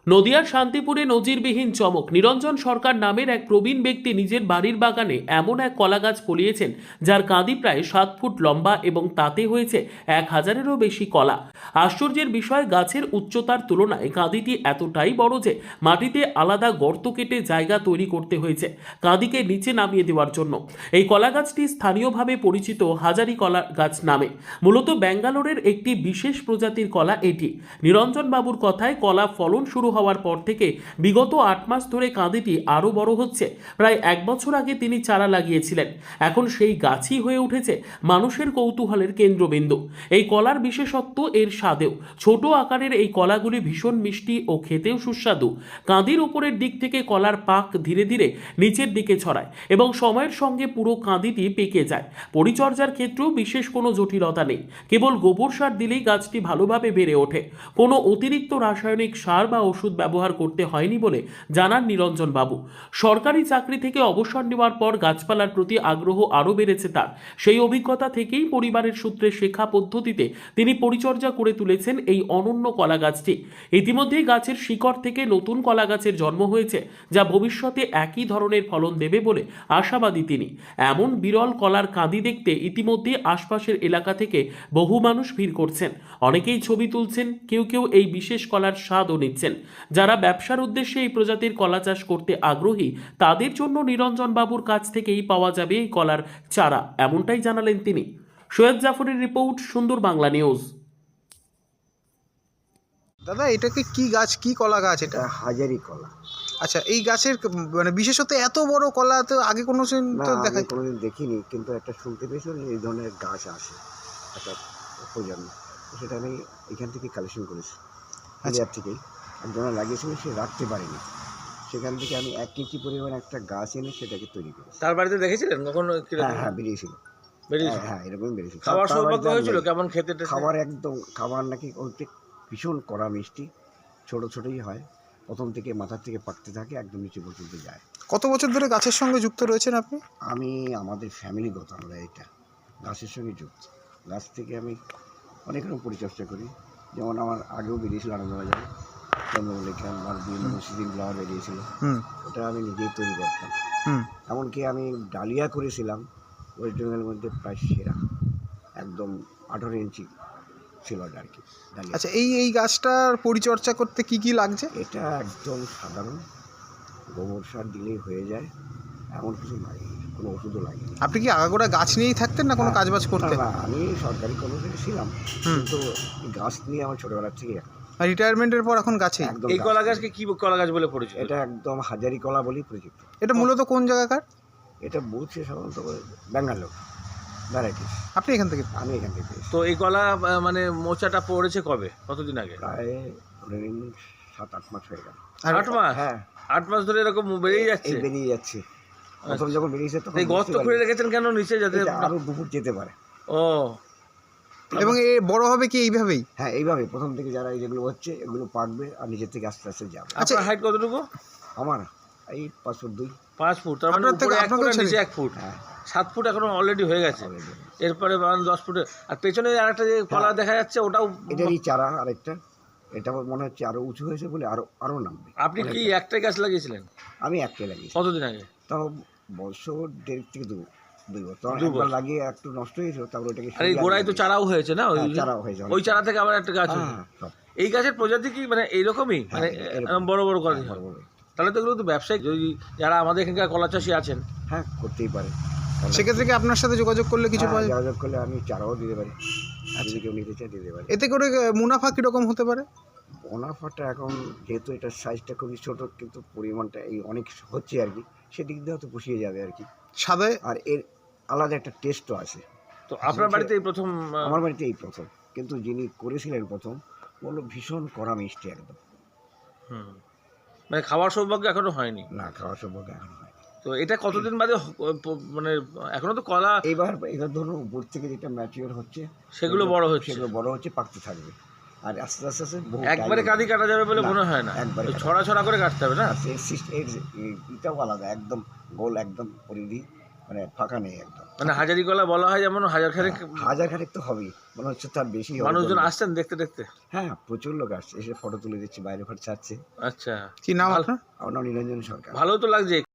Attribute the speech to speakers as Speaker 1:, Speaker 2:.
Speaker 1: নদিয়ার শান্তিপুরে নজিরবিহীন চমক। নিরঞ্জন সরকার নামের এক প্রবীণ ব্যক্তি নিজের বাড়ির বাগানে এমন এক কলা গাছ ফলিয়েছেন যার কাঁদি প্রায় 7 ফুট লম্বা এবং তাতে হয়েছে 1000-এরও বেশি কলা। আশ্চর্যের বিষয়, গাছের উচ্চতার তুলনায় কাঁদিটি এতটাই বড় যে মাটিতে আলাদা গর্ত কেটে জায়গা তৈরি করতে হয়েছে কাঁদিকে নিচে নামিয়ে দেওয়ার জন্য। এই কলা গাছটি স্থানীয়ভাবে পরিচিত হাজারি কলা গাছ নামে। মূলত ব্যাঙ্গালোরের একটি বিশেষ প্রজাতির কলা এটি। নিরঞ্জন বাবুর কথায় কলা ফলন শুরু হওয়ার পর থেকে বিগত 8 মাস ধরে কাঁদিটি আরও বড় হচ্ছে। প্রায় 1 বছর আগে তিনি চারা লাগিয়েছিলেন, এখন সেই গাছই হয়ে উঠেছে মানুষের কৌতূহলের কেন্দ্রবিন্দু। এই কলার বিশেষত্ব এর স্বাদেও। ছোট আকারের এই কলাগুলি ভীষণ মিষ্টি ও খেতেও সুস্বাদু। কাঁদির উপরের দিক থেকে কলার পাক ধীরে ধীরে নিচের দিকে ছড়ায় এবং সময়ের সঙ্গে পুরো কাঁদিটি পেকে যায়। পরিচর্যার ক্ষেত্রেও বিশেষ কোনো জটিলতা নেই, কেবল গোবর সার দিলেই গাছটি ভালোভাবে বেড়ে ওঠে। কোনো অতিরিক্ত রাসায়নিক সার বা ওষুধ ব্যবহার করতে হয়নি বলে জানান নিরঞ্জন বাবু। সরকারি চাকরি থেকে অবসর নেওয়ার পর গাছপালার প্রতি আগ্রহ আরও বেড়েছে তার। সেই অভিজ্ঞতা থেকেই পরিবারের সূত্রে শেখা পদ্ধতিতে তিনি পরিচর্যা করে তুলেছেন এই অনন্য কলা গাছটি। ইতিমধ্যেই গাছের শিকড় থেকে নতুন কলা গাছের জন্ম হয়েছে, যা ভবিষ্যতে একই ধরনের ফলন দেবে বলে আশাবাদী তিনি। এমন বিরল কলার কাঁদি দেখতে ইতিমধ্যে আশপাশের এলাকা থেকে বহু মানুষ ভিড় করছেন। অনেকেই ছবি তুলছেন, কেউ কেউ এই বিশেষ কলার স্বাদও নিচ্ছেন। যারা ব্যবসার উদ্দেশ্যে এই প্রজাতির কলা চাষ করতে আগ্রহী তাদের জন্য নিরঞ্জন বাবুর কাছ থেকেই পাওয়া যাবে এই কলার চারা, এমনটাই জানালেন তিনি। সৈয়দ জাফরের রিপোর্ট, সুন্দর বাংলা নিউজ।
Speaker 2: দাদা, এটাকে কি গাছ, কি কলা গাছ এটা?
Speaker 3: হাজারি কলা।
Speaker 2: আচ্ছা, এই গাছের মানে বিশেষত এত বড় কলা তো আগে কোনো দিন
Speaker 3: না,
Speaker 2: তো
Speaker 3: আমি
Speaker 2: দেখা
Speaker 3: কোনোদিন দেখিনি, কিন্তু একটা শুনতে পেয়েছিলাম যে এই ধরনের গাছ আসে একটা প্রজন্ম। তো সেটা আমি এখান থেকে কালেকশন করেছি, হাজার থেকেই। একজনা লাগিয়েছিলেন, সে রাখতে পারেনি, সেখান থেকে আমি 1 কেজি পরিমাণ একটা গাছ এনে সেটাকে তৈরি করেছি।
Speaker 4: তার বাড়িতে দেখেছিলেন কখনো?
Speaker 3: হ্যাঁ হ্যাঁ, বেরিয়েছিল। হ্যাঁ, এরকমই বেরিয়েছিল।
Speaker 4: খাবার
Speaker 3: তার
Speaker 4: সৌভাগ্য
Speaker 3: বাড়িতে
Speaker 4: হয়েছিল?
Speaker 3: আমি-
Speaker 4: কেমন খেতে টেতে?
Speaker 3: খাবার একদম, খাবার নাকি ওইটা ভীষণ কড়া মিষ্টি, ছোট ছোটই হয়, প্রথম থেকে মাথার থেকে পাকতে থাকে, একদম নিচে পর্যন্ত যায়।
Speaker 2: কত বছর ধরে গাছের সঙ্গে যুক্ত রয়েছেন আপনি?
Speaker 3: আমি আমাদের ফ্যামিলিগত, আমরা এটা গাছের সঙ্গে যুক্ত। গাছ থেকে আমি অনেক রকম পরিচর্যা করি, যেমন আমার আগেও বেরিয়েছিল আনন্দবাজারে চন্দ্রমল্লিকা, আমার বিভিন্ন সিজন ফ্লাওয়ার বেরিয়েছিল, ওটা আমি নিজেই তৈরি করতাম। এমনকি আমি ডালিয়া করেছিলাম ওয়েস্ট বেঙ্গলের মধ্যে প্রায় সেরা, একদম 18 ইঞ্চি ছিল ওটা আর কি ডালিয়া।
Speaker 2: আচ্ছা, এই গাছটার পরিচর্যা করতে কি কি লাগছে?
Speaker 3: এটা একদম সাধারণ, গোবর সার দিলেই হয়ে যায়, এমন কিছু লাগে, কোনো ওষুধও লাগে না।
Speaker 2: আপনি কি আগাগোড়া গাছ নিয়েই থাকতেন না কোনো কাজবাজ করতেন?
Speaker 3: না, আমি সরকারি কর্মচারী ছিলাম, কিন্তু এই গাছ নিয়ে আমার ছোটবেলার থেকে
Speaker 2: আর রিটায়ারমেন্টের পর এখন গাছেই?
Speaker 3: একদম।
Speaker 4: এই কলা গাছকে কি কলা গাছ বলে পরিচিত?
Speaker 3: এটা একদম হাজারি কলা বলেই পরিচিত।
Speaker 2: এটা মূলত কোন জায়গাকার?
Speaker 3: এটা বলছে সাধারণত ব্যাঙ্গালোর ভ্যারাইটিস।
Speaker 2: আপনি এখান থেকে?
Speaker 3: আমি এখান থেকে পেয়েছি।
Speaker 4: তো এই কলা মানে মোচাটা পড়েছে কবে, কতদিন আগে?
Speaker 3: প্রায় ধরে নিন 7-8 মাস হয়ে গেল।
Speaker 4: 8 মাস?
Speaker 3: হ্যাঁ,
Speaker 4: 8 মাস ধরে এরকম বেরিয়ে যাচ্ছে?
Speaker 3: এই বেরিয়ে যাচ্ছে। প্রথম যখন বেরিয়েছে তখন
Speaker 4: এই গর্ত খুঁড়ে রেখেছেন কেন নিচে, যাতে
Speaker 3: আরো 2 ফুট যেতে পারে।
Speaker 4: ও,
Speaker 2: এবং এ বড় হবে কি এইভাবেই?
Speaker 3: হ্যাঁ, এইভাবে প্রথম থেকে যারা যেগুলো হচ্ছে এগুলো পাকবে আর নিচের থেকে আস্তে আস্তে যাবে।
Speaker 2: আচ্ছা,
Speaker 4: আপনার হাইট কতটুকু?
Speaker 3: আমার এই 5 ফুট 2।
Speaker 4: 5 ফুট, তার মানে
Speaker 2: আপনার থেকে-
Speaker 4: উপরে 1
Speaker 2: আপনাকেও
Speaker 4: ফুট আর নিচে 1 ফুট,
Speaker 3: হ্যাঁ,
Speaker 4: 7 ফুট এখনো অলরেডি হয়ে গেছে।
Speaker 3: already।
Speaker 4: এরপরে 10 ফুটে। আর পেছনে আরেকটা যে কলা দেখা যাচ্ছে ওটাও
Speaker 3: এটারই চারা আরেকটা, এটা মনে হচ্ছে আরো উঁচু হয়েছে বলে আরো নামবে।
Speaker 4: আপনি কি একটাই গাছ লাগিয়েছিলেন?
Speaker 3: আমি একটাই লাগিয়েছি,
Speaker 4: কতদিন আগে?
Speaker 3: তাও বছর 1.5 থেকে 2 বছর।
Speaker 4: 2
Speaker 3: একবার
Speaker 4: বছর।
Speaker 3: লাগিয়ে একটু নষ্ট হয়েছিল, তারপর ওটাকে
Speaker 4: আর এই গোড়ায় তো চারাও হয়েছে না?
Speaker 3: হ্যাঁ, চারাও হয়েছে
Speaker 4: ওই চারা থেকে আবার একটা গাছ হয়েছে।
Speaker 3: হ্যাঁ, সব।
Speaker 4: এই গাছের প্রজাতি কি মানে এইরকমই, মানে
Speaker 3: এরকম।
Speaker 4: বড় বড় কলা?
Speaker 3: হ্যাঁ, বড় বড়।
Speaker 4: তাহলে তো এগুলো তো ব্যবসায়িক, যদি যারা আমাদের এখানকার কলা চাষি আছেন।
Speaker 3: হ্যাঁ, করতেই পারে।
Speaker 2: সেক্ষেত্রে কি আপনার সাথে যোগাযোগ করলে কিছু পাওয়া যায়?
Speaker 3: যোগাযোগ করলে আমি চারাও দিতে পারি, যদি কেউ নিতে চাই দিতে পারি।
Speaker 2: এতে করে মুনাফা কিরকম হতে পারে?
Speaker 3: মুনাফাটা এখন যেহেতু এটার সাইজটা খুবই ছোট, কিন্তু পরিমাণটা এই অনেক হচ্ছে আর কি, সেদিক দিয়ে হয়তো পুষিয়ে যাবে আর কি।
Speaker 2: সাদে
Speaker 3: আর এর আলাদা একটা টেস্টও আছে।
Speaker 4: তো আপনার বাড়িতে এই প্রথম?
Speaker 3: আমার বাড়িতে এই প্রথম, কিন্তু যিনি করেছিলেন প্রথম বললো ভীষণ কড়া মিষ্টি একদম।
Speaker 4: মানে খাওয়ার সৌভাগ্য এখনো হয়নি?
Speaker 3: না, খাওয়া সম্ভব এখন হয়।
Speaker 4: তো এটা কতদিন বাদে মানে এখনো তো কলা
Speaker 3: এবার ধরুন উপর থেকে যেটা ম্যাচিওর হচ্ছে
Speaker 4: সেগুলো বড় হচ্ছে,
Speaker 3: সেগুলো বড় হচ্ছে, পাকতে থাকবে, আর আস্তে আস্তে আস্তে বহু
Speaker 4: একবারে
Speaker 3: time
Speaker 4: কাঁদি কাটা যাবে বলে
Speaker 3: না,
Speaker 4: মনে হয় না।
Speaker 3: একবারে
Speaker 4: ছড়া ছড়া করে কাটতে হবে না?
Speaker 3: এটাও আলাদা, একদম গোল, একদম পরিধি, মানে ফাঁকা নেই একদম।
Speaker 4: মানে হাজারি কলা বলা হয় যেমন হাজার খানেক
Speaker 3: হাজার খানেক তো হবেই, মনে হচ্ছে তার বেশি হবে।
Speaker 4: মানুষজন আসছেন দেখতে দেখতে?
Speaker 3: হ্যাঁ, প্রচুর লোক আসছে, এসে ফটো তুলে দিচ্ছে, বাইরে ফটো ছাড়ছে।
Speaker 4: আচ্ছা,
Speaker 2: কি নাম আপনার?
Speaker 3: আমার নাম নিরঞ্জন সরকার।
Speaker 4: ভালো তো লাগছে।